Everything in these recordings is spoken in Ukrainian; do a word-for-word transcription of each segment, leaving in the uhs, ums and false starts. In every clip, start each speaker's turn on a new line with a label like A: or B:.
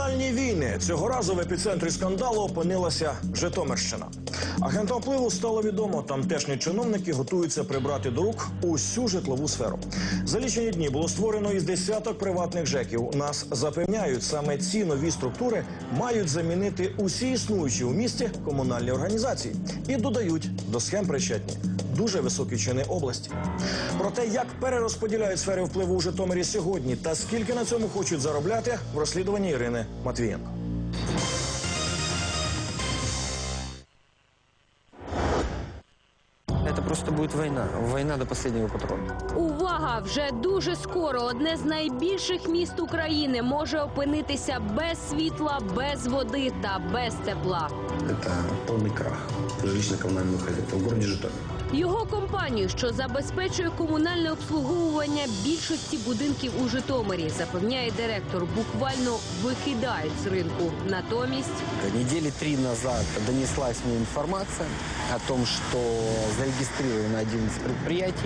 A: Комунальні війни. Цього разу в епіцентрі скандалу опинилася Житомирщина. Агентам впливу стало відомо, тамтешні чиновники готуються прибрати до рук усю житлову сферу. За лічені дні було створено із десяток приватних ЖЕКів. Нас запевняють, саме ці нові структури мають замінити усі існуючі у місті комунальні організації. І додають, до схем причетні дуже високі чини області. Про те, як перерозподіляють сфери впливу у Житомирі сьогодні та скільки на цьому хочуть заробляти, в розслідуванні Ірини Матвієнко.
B: Это просто будет война. Война до последнего патрона.
C: Увага! Вже дуже скоро одне з найбільших міст України може опинитися без світла, без води та без тепла.
D: Это полный крах жилищно-коммунального хозяйства в городе Житомир.
C: Його компанію, що забезпечує комунальне обслуговування більшості будинків у Житомирі, запевняє директор, буквально викидають з ринку. Натомість...
B: Недели три назад донеслась мне информация о том, что зарегистрировано одиннадцать предприятий,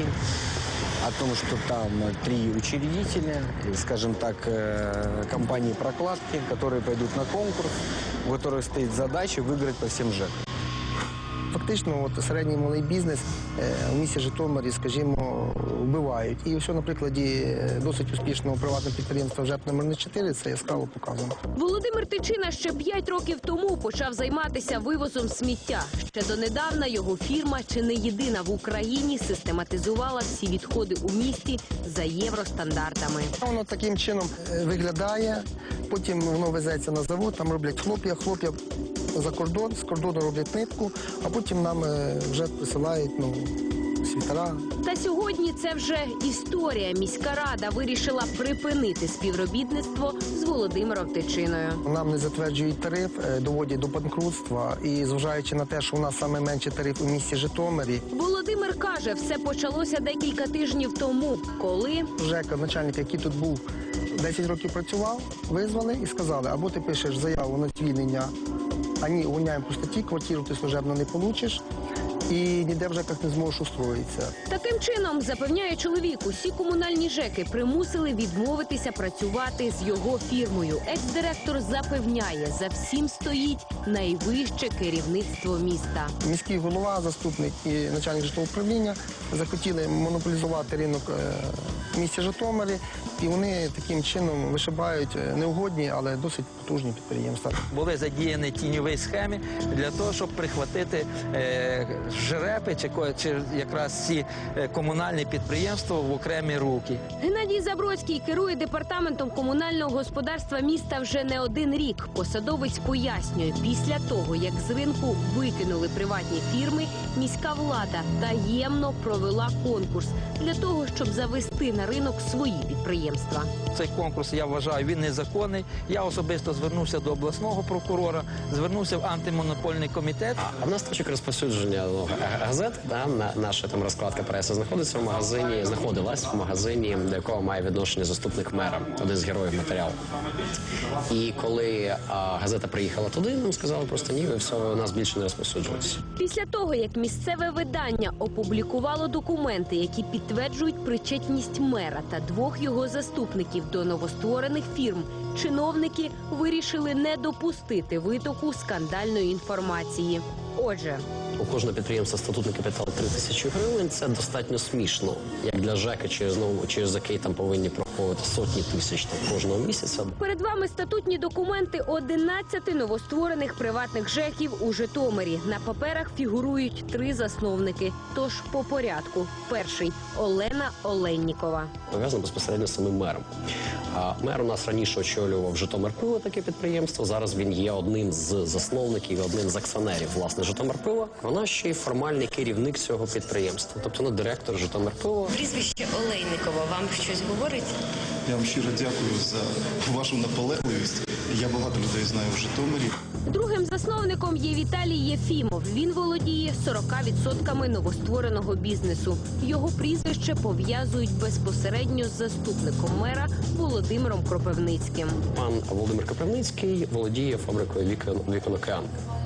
B: о том, что там три учредителя, скажем так, компании прокладки, которые пойдут на конкурс, у которых стоит задача выиграть по всем ЖЭКам.
E: Фактично, от, середній малий бізнес е, у місті Житомирі, скажімо, вбивають. І все на прикладі досить успішного приватного підприємства ЖЕП номер чотири це яскраво показано.
C: Володимир Тичина ще п'ять років тому почав займатися вивозом сміття. Ще донедавна його фірма, чи не єдина в Україні, систематизувала всі відходи у місті за євростандартами.
E: Воно таким чином виглядає, потім воно везеться на завод, там роблять хлоп'я, хлоп'я за кордон, з кордону роблять нитку, а потім нам вже присилають, ну, світера.
C: Та сьогодні це вже історія. Міська рада вирішила припинити співробітництво з Володимиром Тичиною.
E: Нам не затверджують тариф, доводять до банкрутства. І зважаючи на те, що у нас найменший тариф у місті Житомирі.
C: Володимир каже, все почалося декілька тижнів тому, коли...
E: ЖЕКа, начальник, який тут був, десять років працював, визвали і сказали, або ти пишеш заяву на звільнення, ані увольняємо по статті, квартиру ти служебно не получиш, і ніде в ЖЕКах не зможеш устроїтися.
C: Таким чином, запевняє чоловік, усі комунальні ЖЕКи примусили відмовитися працювати з його фірмою. Екс-директор запевняє, за всім стоїть найвище керівництво міста.
E: Міський голова, заступник і начальник житлового управління захотіли монополізувати ринок в місті Житомирі, і вони таким чином вишибають неугодні, але досить потужні підприємства.
F: Були задіяні тіньові схеми для того, щоб прихватити е, ЖРЕПи чи, чи якраз ці е, комунальні підприємства в окремі руки.
C: Геннадій Забродський керує департаментом комунального господарства міста вже не один рік. Посадовець пояснює, після того, як з ринку викинули приватні фірми, міська влада таємно провела конкурс для того, щоб завести на ринок свої підприємства.
F: Цей конкурс, я вважаю, він незаконний. Я особисто звернувся до обласного прокурора, звернувся в антимонопольний комітет.
G: А в нас точок розповсюдження ну, газет, да, на, наша там розкладка преси знаходиться в магазині, знаходилась в магазині, до якого має відношення заступник мера, один з героїв матеріалу. І коли а, газета приїхала туди, нам сказали просто ні, ви все, у нас більше не розповсюджується.
C: Після того, як місцеве видання опублікувало документи, які підтверджують причетність мера та двох його заступників до новостворених фірм, чиновники вирішили не допустити витоку скандальної інформації. Отже,
G: у кожного підприємства статутний капітал три тисячі гривень. Це достатньо смішно, як для ЖЕКа, через, ну, через який там повинні проходити сотні тисяч там, кожного місяця.
C: Перед вами статутні документи одинадцяти новостворених приватних ЖЕКів у Житомирі. На паперах фігурують три засновники. Тож по порядку. Перший – Олена Оленнікова.
G: Пов'язано безпосередньо з самим мером. А мер у нас раніше очолював Житомирпиво, таке підприємство. Зараз він є одним з засновників, одним з акціонерів, власне, Житомирпива. Вона ще й формальний керівник цього підприємства. Тобто, вона директор Житомирпива.
H: Прізвище Олейникова вам щось говорить?
I: Я вам щиро дякую за вашу наполегливість. Я багато людей знаю в Житомирі.
C: Другим засновником є Віталій Єфімов. Він володіє сорока відсотками новоствореного бізнесу. Його прізвище пов'язують безпосередньо з заступником мера Володимиром Кропивницьким.
G: Пан Володимир Кропивницький володіє фабрикою «Вікон Океан».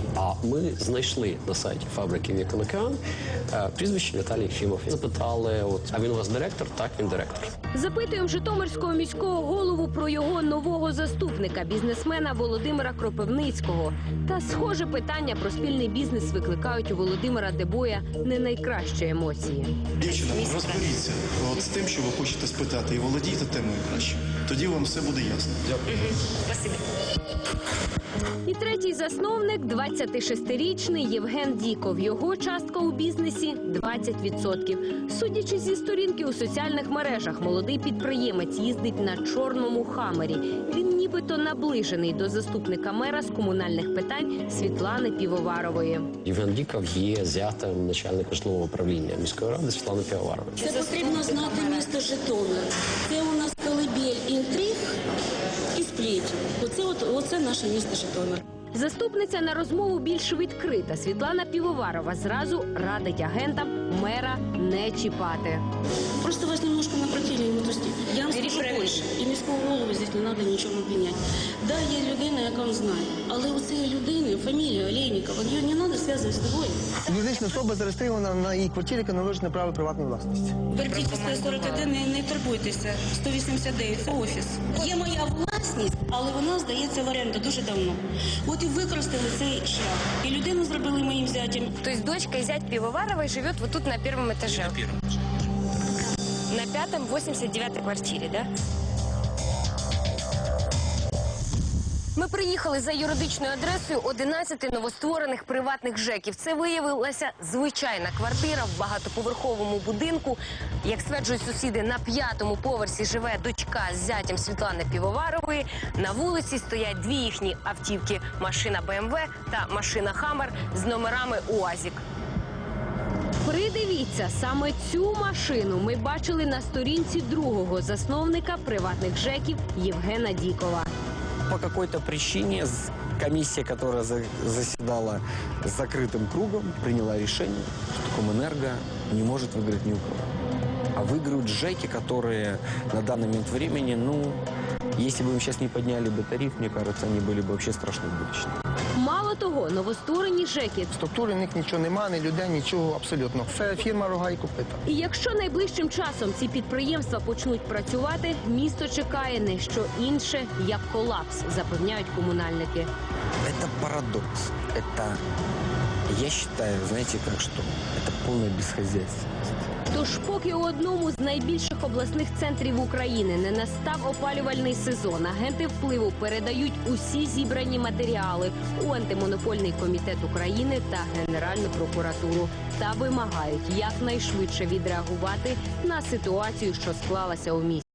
G: А ми знайшли на сайті фабрики «Вікон Океан» е, прізвище Віталій Єфімов. Запитали, от, а він у вас директор? Так, він директор.
C: Запитуємо Житомирського міського голову про його нового заступника, бізнесмена Володимира Кропивницького. Та схоже питання про спільний бізнес викликають у Володимира Дебоя не найкращі емоції.
I: Дівчина, розберіться от з тим, що ви хочете спитати, і володійте темою краще. Тоді вам все буде ясно. Дякую.
H: Спасибі.
C: І третій засновник – двадцятишестирічний Євген Діков. Його частка у бізнесі – двадцять відсотків. Судячи зі сторінки у соціальних мережах, молодий підприємець їздить на чорному хамері. Він нібито наближений до заступника мера з комунальних питань Світлани Півоварової.
G: Євген Діков є зятем начальника житлового управління міської ради Світлани Півоварової.
J: Це потрібно знати місто Житомир. Це у нас колибель інтриг і сплетень. Оце, от, оце наше місто Житомир.
C: Заступниця на розмову більш відкрита. Світлана Півоварова зразу радить агентам мера не чіпати.
J: Просто вас немножко напротили, вот, я вам скажу більше. І міського голову здесь не треба нічого обвиняти. Да, є людина, яка він знає, але у цієї людини фамілія Олейникова, її не треба зв'язувати з тобою.
E: Юридична особа зареєстрована на її квартирі, яка належить на право приватної власності.
J: Бердіть сто сорок один, не, не турбуйтеся. сто вісімдесят дев'ять, це офіс. Є моя власність, але вона здається в оренду дуже давно. От і використали цей шлях. І людину зробили моїм зятям.
H: То есть дочка и зять Пивоваровой живет вот тут на первом этаже? На первом этаже. На пятом, восемьдесят девятой квартире, да? Ми приїхали за юридичною адресою одинадцяти новостворених приватних ЖЕКів. Це виявилася звичайна квартира в багатоповерховому будинку. Як стверджують сусіди, на п'ятому поверсі живе дочка з зятям Світлани Півоварової. На вулиці стоять дві їхні автівки – машина Бе Ем Ве та машина Хаммер з номерами УАЗик.
C: Придивіться, саме цю машину ми бачили на сторінці другого засновника приватних ЖЕКів Євгена Дікова.
B: По какой-то причине з- комиссия, которая за- заседала с закрытым кругом, приняла решение, что Комэнерго не может выиграть ни у кого. А выиграют ЖЭКи, которые на данный момент времени, ну, если бы им сейчас не подняли бы тариф, мне кажется, они были бы вообще страшно будущее.
C: Мало того, новостворені ЖЕКи.
E: Структури в них нічого немає, ні людей, нічого абсолютно. Це фірма «Рога і копита».
C: І якщо найближчим часом ці підприємства почнуть працювати, місто чекає не що інше, як колапс, запевняють комунальники.
B: Это парадокс. Это, я считаю, знаете, как что? Это полное бесхозяйство.
C: Тож поки у одному з найбільших обласних центрів України не настав опалювальний сезон, агенти впливу передають усі зібрані матеріали у Антимонопольний комітет України та Генеральну прокуратуру та вимагають якнайшвидше відреагувати на ситуацію, що склалася у місті.